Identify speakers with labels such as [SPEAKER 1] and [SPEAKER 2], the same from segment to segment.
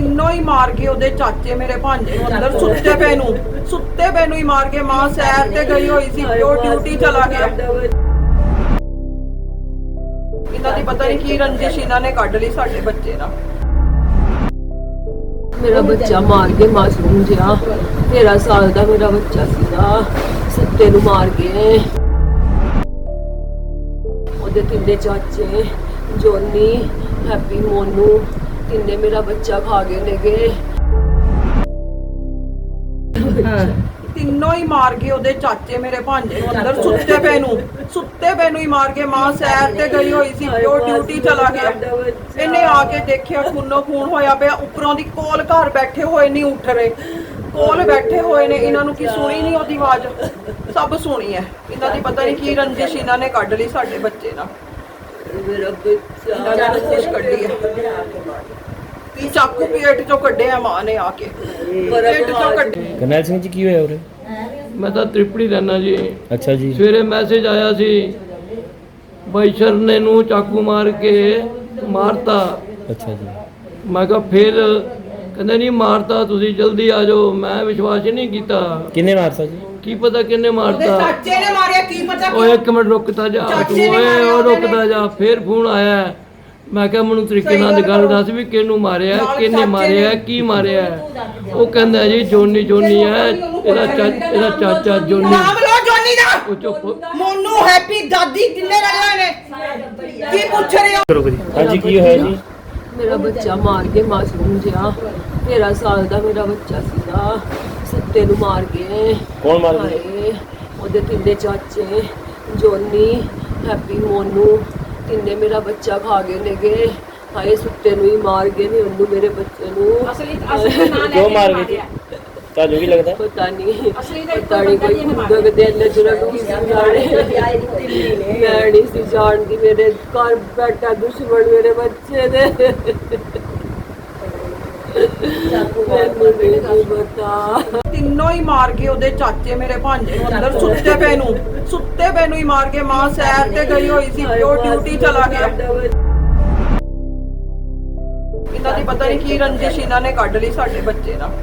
[SPEAKER 1] ਤਿੰਨੋਂ ਹੀ ਮਾਰ ਕੇ ਉਹਦੇ ਚਾਚੇ ਮੇਰੇ ਭਾਂਜੇ ਨੂੰ ਅੰਦਰ ਸੁੱਤੇ ਪਏ ਨੂੰ ਹੀ ਮਾਰ ਕੇ। ਮਾਂ ਸੈਰ ਤੇ ਗਈ ਹੋਈ ਸੀ, ਪਿਓ ਡਿਊਟੀ ਚਲਾ ਗਿਆ। ਇਹਨਾਂ ਦੀ ਪਤਾ ਨਹੀਂ ਕੀ ਰੰਜਿਸ਼ ਇਹਨਾਂ ਨੇ ਕੱਢ ਲਈ ਸਾਡੇ ਬੱਚੇ ਨਾਲ।
[SPEAKER 2] ਮੇਰਾ ਬੱਚਾ ਮਾਰ ਕੇ ਮਾਸੂਮ ਜਿਹਾ 13 ਸਾਲ ਦਾ ਮੇਰਾ ਬੱਚਾ ਸੀਗਾ, ਸੁੱਤੇ ਨੂੰ ਮਾਰ ਕੇ। ਉਹਦੇ ਤਿੰਨੇ ਚਾਚੇ ਜੋਨੀ, ਹੈਪੀ, ਮੋਨੂ ਤਿੰਨੇ ਮੇਰਾ ਬੱਚਾ ਖਾ ਗਏ ਨੇਗੇ।
[SPEAKER 1] ਤਿੰਨੋਂ ਹੀ ਮਾਰ ਕੇ ਉਹਦੇ ਚਾਚੇ ਮੇਰੇ ਭਾਂਜੇ ਨੂੰ ਅੰਦਰ ਸੁੱਤੇ ਪਏ ਨੂੰ ਹੀ ਮਾਰ ਕੇ। ਮਾਂ ਸੈਰ ਤੇ ਗਈ ਹੋਈ ਸੀ, ਪਿਓ ਡਿਊਟੀ ਚਲਾ ਗਿਆ। ਇਹਨੇ ਆ ਕੇ ਦੇਖਿਆ ਖੂਨੋ ਖੂਨ ਹੋਇਆ ਪਿਆ। ਉੱਪਰੋਂ ਦੀ ਕੋਲ ਘਰ ਬੈਠੇ ਹੋਏ ਨਹੀਂ ਉੱਠ ਰਹੇ, ਕੋਲ ਬੈਠੇ ਹੋਏ ਨੇ। ਇਹਨਾਂ ਨੂੰ ਕੀ ਸੁਣੀ ਨਹੀਂ ਉਹਦੀ ਆਵਾਜ਼? ਸਭ ਸੁਣੀ ਹੈ। ਇਹਨਾਂ ਦੀ ਪਤਾ ਨਹੀਂ ਕੀ ਰੰਜਿਸ਼ ਇਹਨਾਂ ਨੇ ਕੱਢ ਲਈ ਸਾਡੇ ਬੱਚੇ ਨਾਲ।
[SPEAKER 2] ਮੇਰਾ ਬੱਚਾ
[SPEAKER 1] ਰੰਜਿਸ਼ ਕੱਢੀ ਹੈ। ਕੀ ਚਾਕੂ ਪੇਟ ਚੋਂ ਕੱਢਿਆ ਮਾਂ ਨੇ ਆ ਕੇ, ਪੇਟ ਚੋਂ ਕੱਢਿਆ।
[SPEAKER 3] ਕਰਨੈਲ ਸਿੰਘ ਜੀ ਕੀ ਹੋਇਆ ਉਰੇ?
[SPEAKER 4] ਮੈਂ ਤਾਂ ਤ੍ਰਿਪੜੀ ਰਹਿਣਾ ਜੀ।
[SPEAKER 3] ਅੱਛਾ ਜੀ।
[SPEAKER 4] ਸਵੇਰੇ ਮੈਸੇਜ ਆਇਆ ਸੀ ਬਾਈਸ਼ਰ ਨੇ ਨੂੰ ਚਾਕੂ ਮਾਰ ਕੇ ਮਾਰਤਾ।
[SPEAKER 3] ਅੱਛਾ ਜੀ।
[SPEAKER 4] ਮੈਂ ਕਿਹਾ ਫਿਰ ਕਹਿੰਦੇ ਨਹੀਂ ਮਾਰਤਾ, ਤੁਸੀਂ ਜਲਦੀ ਆ ਜਾਓ। ਮੈਂ ਵਿਸ਼ਵਾਸ ਹੀ ਨਹੀਂ ਕੀਤਾ।
[SPEAKER 3] ਕਿੰਨੇ ਮਾਰਤਾ ਜੀ?
[SPEAKER 4] ਕੀ ਪਤਾ ਕਿੰਨੇ
[SPEAKER 1] ਉਹਦੇ
[SPEAKER 4] ਮਾਰਤਾ।
[SPEAKER 1] ਚਾਚੇ ਨੇ ਮਾਰਿਆ, ਕੀ ਪਤਾ।
[SPEAKER 4] ਓਏ ਇੱਕ ਮਿੰਟ ਰੁਕਦਾ ਜਾ
[SPEAKER 1] ਚਾਚੇ
[SPEAKER 4] ਤੂੰ,
[SPEAKER 1] ਨੇ
[SPEAKER 4] ਓਏ
[SPEAKER 1] ਮਾਰਿਆ
[SPEAKER 4] ਉਹ
[SPEAKER 1] ਉਹਨੇ।
[SPEAKER 4] ਰੁਕਦਾ ਜਾ। ਫਿਰ ਫੋਨ ਆਇਆ। ਮੈਂ ਕਿਹਾ ਮੈਨੂੰ ਤਰੀਕੇ ਨਾਲ ਗੱਲ ਦੱਸ ਵੀ ਕਿਹਨੂੰ ਮਾਰਿਆ, ਕਿਹਨੇ ਮਾਰਿਆ, ਕੀ ਮਾਰਿਆ। ਉਹ ਕਹਿੰਦਾ ਜੀ ਜੋਨੀ ਹੈ, ਇਹਦਾ ਚਾਚਾ ਜੋਨੀ।
[SPEAKER 1] ਨਾਮ ਲਓ ਜੋਨੀ ਦਾ।
[SPEAKER 4] ਉਹ ਚੁੱਪ।
[SPEAKER 1] ਮੋਨੂ, ਹੈਪੀ, ਦਾਦੀ ਕਿੰਨੇ ਲੜੇ ਹੋਏ ਨੇ? ਕੀ ਪੁੱਛ ਰਹੇ ਹੋ?
[SPEAKER 3] ਕਰੋ ਜੀ। ਹਾਂਜੀ ਕੀ ਹੋਇਆ ਜੀ?
[SPEAKER 2] ਮੇਰਾ ਬੱਚਾ ਮਾਰ ਕੇ ਮਾਸੂਮ ਜਿਹਾ 13 ਸਾਲ ਦਾ ਮੇਰਾ ਬੱਚਾ ਸੀਗਾ, ਸੁੱਤੇ ਨੂੰ ਮਾਰ ਕੇ।
[SPEAKER 3] ਕੌਣ ਮਾਰ ਗਿਆ?
[SPEAKER 2] ਹਾਏ, ਉਹਦੇ ਤਿੰਨੇ ਚਾਚੇ ਜੋਨੀ, ਹੈਪੀ, ਮੋਨੂ ਤਿੰਨੇ ਮੇਰਾ ਬੱਚਾ ਖਾ ਗਏ ਨੇਗੇ। ਹਾਏ, ਸੁੱਤੇ ਨੂੰ ਹੀ ਮਾਰ ਗਏ ਨੇ ਉਹਨੂੰ, ਮੇਰੇ ਬੱਚੇ ਨੂੰ।
[SPEAKER 3] ਕਿਉਂ ਮਾਰ ਗਏ ਜੀ? ਤੁਹਾਨੂੰ ਕੀ ਲੱਗਦਾ?
[SPEAKER 2] ਪਤਾ ਨਹੀਂ ਕੋਈ ਗੁੱਦਗ ਦੇ ਨਜ਼ਰ ਨੂੰ ਜਾਣੇ। ਮੈਂ ਨਹੀਂ ਸੀ ਜਾਣਦੀ, ਮੇਰੇ ਘਰ ਬੈਠਾ ਦੁਸ਼ਮਣ ਮੇਰੇ ਬੱਚੇ ਦੇ। ਮੈਨੂੰ ਨਹੀਂ ਪਤਾ।
[SPEAKER 1] ਤਿੰਨੋਂ ਹੀ ਮਾਰ ਕੇ ਉਹਦੇ ਚਾਚੇ ਮੇਰੇ ਭਾਂਜੇ ਨੂੰ ਅੰਦਰ ਸੁੱਤੇ ਪਏ ਨੂੰ ਹੀ ਮਾਰ ਕੇ। ਮਾਂ ਸੈਰ ਤੇ ਗਈ ਹੋਈ ਸੀ, ਪਿਓ ਡਿਊਟੀ ਚਲਾ ਗਿਆ। ਇਹਨਾਂ ਦੀ ਪਤਾ ਨਹੀਂ ਕੀ ਰੰਜਿਸ਼ ਇਹਨਾਂ ਨੇ ਕੱਢ ਲਈ ਸਾਡੇ ਬੱਚੇ ਨਾਲ।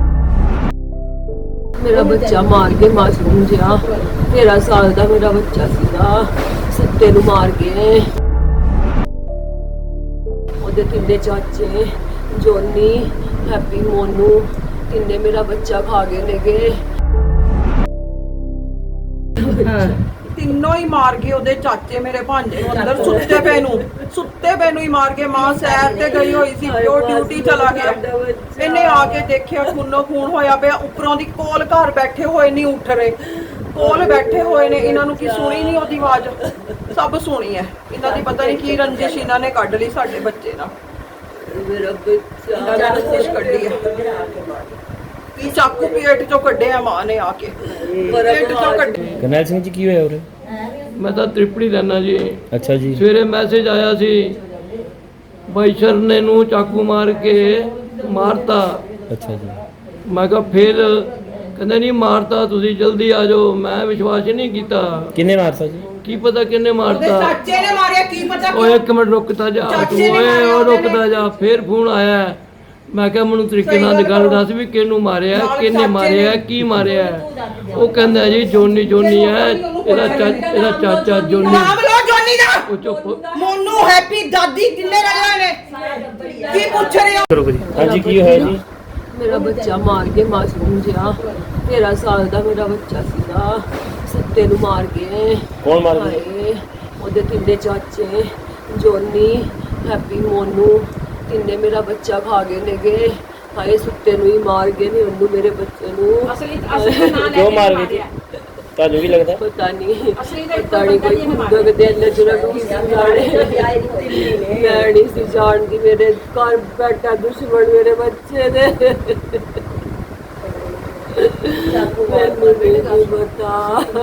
[SPEAKER 2] ਮੇਰਾ ਬੱਚਾ ਮਾਰ ਕੇ ਮਾਸੂਮ ਜਿਹਾ 13 ਸਾਲ ਦਾ ਮੇਰਾ ਬੱਚਾ ਸੀਗਾ, ਸੁੱਤੇ ਨੂੰ ਮਾਰ ਕੇ। ਉਹਦੇ ਤਿੰਨੇ ਚਾਚੇ ਜੋਨੀ, ਹੈਪੀ, ਮੋਨੂ ਤਿੰਨੇ ਮੇਰਾ ਬੱਚਾ ਖਾ ਗਏ ਨੇਗੇ।
[SPEAKER 1] ਤਿੰਨੋਂ ਹੀ ਮਾਰ ਕੇ ਉਹਦੇ ਚਾਚੇ ਮੇਰੇ ਭਾਂਜੇ ਨੂੰ ਅੰਦਰ ਸੁੱਤੇ ਪਏ ਨੂੰ ਹੀ ਮਾਰ ਕੇ। ਮਾਂ ਸੈਰ ਤੇ ਗਈ ਹੋਈ ਸੀ, ਪਿਓ ਡਿਊਟੀ ਚਲਾ ਗਿਆ। ਇਹਨੇ ਆ ਕੇ ਦੇਖਿਆ ਖੂਨੋ ਖੂਨ ਹੋਇਆ ਪਿਆ। ਉੱਪਰੋਂ ਦੀ ਕੋਲ ਘਰ ਬੈਠੇ ਹੋਏ ਨਹੀਂ ਉੱਠ ਰਹੇ, ਕੋਲ ਬੈਠੇ ਹੋਏ ਨੇ। ਇਹਨਾਂ ਨੂੰ ਕੀ ਸੁਣੀ ਨਹੀਂ ਉਹਦੀ ਆਵਾਜ਼? ਸਭ ਸੁਣੀ ਹੈ। ਇਹਨਾਂ ਦੀ ਪਤਾ ਨਹੀਂ ਕੀ ਰੰਜਿਸ਼ ਇਹਨਾਂ ਨੇ ਕੱਢ ਲਈ ਸਾਡੇ ਬੱਚੇ ਨਾਲ।
[SPEAKER 2] ਮੇਰਾ ਬੱਚਾ
[SPEAKER 1] ਰੰਜਿਸ਼ ਕੱਢੀ ਹੈ। ਕੀ ਚਾਕੂ ਪੇਟ ਚੋਂ ਕੱਢਿਆ ਮਾਂ ਨੇ ਆ ਕੇ, ਪੇਟ ਚੋਂ ਕੱਢਿਆ।
[SPEAKER 3] ਕਰਨੈਲ ਸਿੰਘ ਜੀ ਕੀ ਹੋਇਆ ਉਰੇ?
[SPEAKER 4] ਮੈਂ ਤਾਂ ਤ੍ਰਿਪੜੀ ਰਹਿਣਾ ਜੀ।
[SPEAKER 3] ਅੱਛਾ ਜੀ।
[SPEAKER 4] ਸਵੇਰੇ ਮੈਸੇਜ ਆਇਆ ਸੀ ਬਾਈਸ਼ਰ ਨੇ ਨੂੰ ਚਾਕੂ ਮਾਰ ਕੇ ਮਾਰਤਾ।
[SPEAKER 3] ਅੱਛਾ ਜੀ।
[SPEAKER 4] ਮੈਂ ਕਿਹਾ ਫਿਰ ਕਹਿੰਦੇ ਨਹੀਂ ਮਾਰਤਾ, ਤੁਸੀਂ ਜਲਦੀ ਆ ਜਾਓ। ਮੈਂ ਵਿਸ਼ਵਾਸ ਹੀ ਨਹੀਂ ਕੀਤਾ।
[SPEAKER 3] ਕਿੰਨੇ ਮਾਰਤਾ ਜੀ?
[SPEAKER 4] ਕੀ ਪਤਾ ਕਿੰਨੇ
[SPEAKER 1] ਉਹਦੇ
[SPEAKER 4] ਮਾਰਤਾ।
[SPEAKER 1] ਚਾਚੇ ਨੇ ਮਾਰਿਆ, ਕੀ ਪਤਾ।
[SPEAKER 4] ਓਏ ਇੱਕ ਮਿੰਟ ਰੁਕਦਾ ਜਾ ਤੂੰ,
[SPEAKER 1] ਚਾਚੇ ਨੇ
[SPEAKER 4] ਓਏ
[SPEAKER 1] ਮਾਰਿਆ
[SPEAKER 4] ਉਹ
[SPEAKER 1] ਉਹਨੇ।
[SPEAKER 4] ਰੁਕਦਾ ਜਾ। ਫਿਰ ਫੋਨ ਆਇਆ। ਮੈਂ ਕਿਹਾ ਮੈਨੂੰ ਤਰੀਕੇ ਨਾਲ ਗੱਲ ਦੱਸ ਵੀ ਕਿਹਨੂੰ ਮਾਰਿਆ, ਕਿਹਨੇ ਮਾਰਿਆ, ਕੀ ਮਾਰਿਆ। ਉਹ ਕਹਿੰਦਾ ਜੀ ਜੋਨੀ ਹੈ, ਇਹਦਾ ਚਾਚਾ ਜੋਨੀ।
[SPEAKER 1] ਨਾਮ ਲਓ ਜੋਨੀ ਦਾ।
[SPEAKER 4] ਉਹ ਚੁੱਪ।
[SPEAKER 1] ਮੋਨੂ, ਹੈਪੀ, ਦਾਦੀ ਕਿੰਨੇ ਲੜੇ ਹੋਏ ਨੇ? ਕੀ ਪੁੱਛ ਰਹੇ ਹੋ?
[SPEAKER 3] ਕਰੋ ਜੀ। ਹਾਂਜੀ ਕੀ ਹੋਇਆ ਜੀ?
[SPEAKER 2] ਮੇਰਾ ਬੱਚਾ ਮਾਰ ਕੇ ਮਾਸੂਮ ਜਿਹਾ 13 ਸਾਲ ਦਾ ਮੇਰਾ ਬੱਚਾ ਸੀਗਾ, ਸੁੱਤੇ ਨੂੰ ਮਾਰ ਕੇ।
[SPEAKER 3] ਕੌਣ ਮਾਰ ਗਿਆ?
[SPEAKER 2] ਹਾਏ, ਉਹਦੇ ਤਿੰਨੇ ਚਾਚੇ ਜੋਨੀ, ਹੈਪੀ, ਮੋਨੂ ਤਿੰਨੇ ਮੇਰਾ ਬੱਚਾ ਖਾ ਗਏ ਨੇਗੇ। ਹਾਏ, ਸੁੱਤੇ ਨੂੰ ਹੀ ਮਾਰ ਗਏ ਨੇ ਉਹਨੂੰ, ਮੇਰੇ ਬੱਚੇ ਨੂੰ।
[SPEAKER 3] ਕਿਉਂ ਮਾਰ ਗਏ ਜੀ? ਤੁਹਾਨੂੰ ਕੀ ਲੱਗਦਾ?
[SPEAKER 2] ਪਤਾ ਨਹੀਂ ਕੋਈ ਗੁੱਦਗ ਦੇ ਨਜ਼ਰ ਨੂੰ ਜਾਣੇ। ਮੈਂ ਨਹੀਂ ਸੀ ਜਾਣਦੀ, ਮੇਰੇ ਘਰ ਬੈਠਾ ਦੁਸ਼ਮਣ ਮੇਰੇ ਬੱਚੇ ਦੇ। ਮੈਨੂੰ ਨਹੀਂ ਪਤਾ।